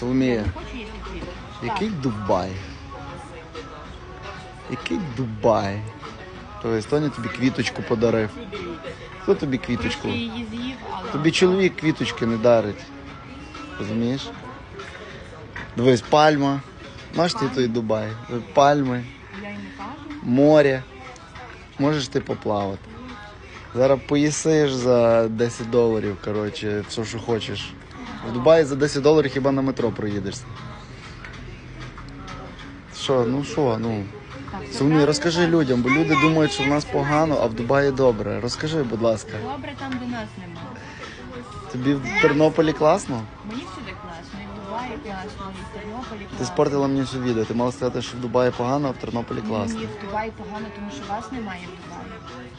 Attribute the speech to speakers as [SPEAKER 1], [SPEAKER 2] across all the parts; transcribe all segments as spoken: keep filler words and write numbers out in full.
[SPEAKER 1] Соломія, який Дубай? Який Дубай? Тобто, Тоня тобі квіточку подарив. Хто тобі квіточку?
[SPEAKER 2] Її з'їв, але...
[SPEAKER 1] Тобі чоловік квіточки не дарить. Розумієш? Дивись, пальма. Маєш ти той Дубай? Пальми,
[SPEAKER 2] Я й не кажу.
[SPEAKER 1] море. Можеш ти поплавати. Зараз поїсиш за десять доларів, коротше, все, що хочеш. В Дубаї за десять доларів хіба на метро проїдешся. Що, ну що, ну... Соломія, розкажи людям, бо люди думають, що в нас погано, а в Дубаї добре. Розкажи, будь ласка.
[SPEAKER 2] Добре там, де нас нема.
[SPEAKER 1] Тобі в Тернополі класно?
[SPEAKER 2] Мені всюди класно, і в Дубаї класно, і в Тернополі класно.
[SPEAKER 1] Ти спортила мені всю відео. Ти мала сказати, що в Дубаї погано, а в Тернополі класно.
[SPEAKER 2] Ні, в Дубаї погано, тому що вас немає в Дубаї.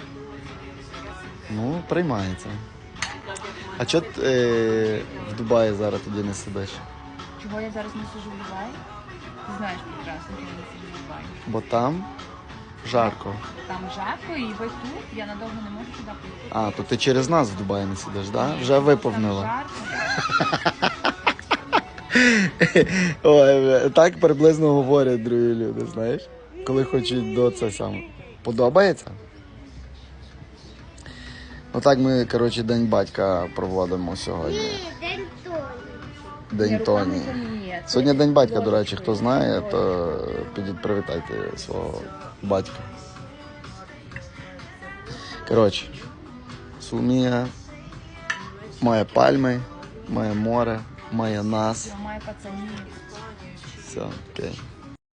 [SPEAKER 1] Ну, приймається. А чого ти е, в Дубаї зараз тоді не сидиш?
[SPEAKER 2] Чого я зараз не сиджу в Дубаї? Ти знаєш прекрасно, що я не сиджу в Дубаї.
[SPEAKER 1] Бо там жарко.
[SPEAKER 2] Там жарко, і ви тут, я надовго не можу туди поїхати.
[SPEAKER 1] А, то ти через нас в Дубаї не сидиш, так? Да? Вже виповнила.
[SPEAKER 2] Там жарко.
[SPEAKER 1] Ой, так приблизно говорять другі люди, знаєш? Коли хочуть до це саме. Подобається? Отак ми, коротше, День батька проводимо сьогодні.
[SPEAKER 3] Ні, день Тоні.
[SPEAKER 1] День Тоні.
[SPEAKER 2] Ні, це
[SPEAKER 1] Сьогодні День батька, до речі, хто знає, то підіть привітайте свого батька. Коротше, Соломія має пальми, має море, має нас.
[SPEAKER 2] має пацанів.
[SPEAKER 1] Все, окей.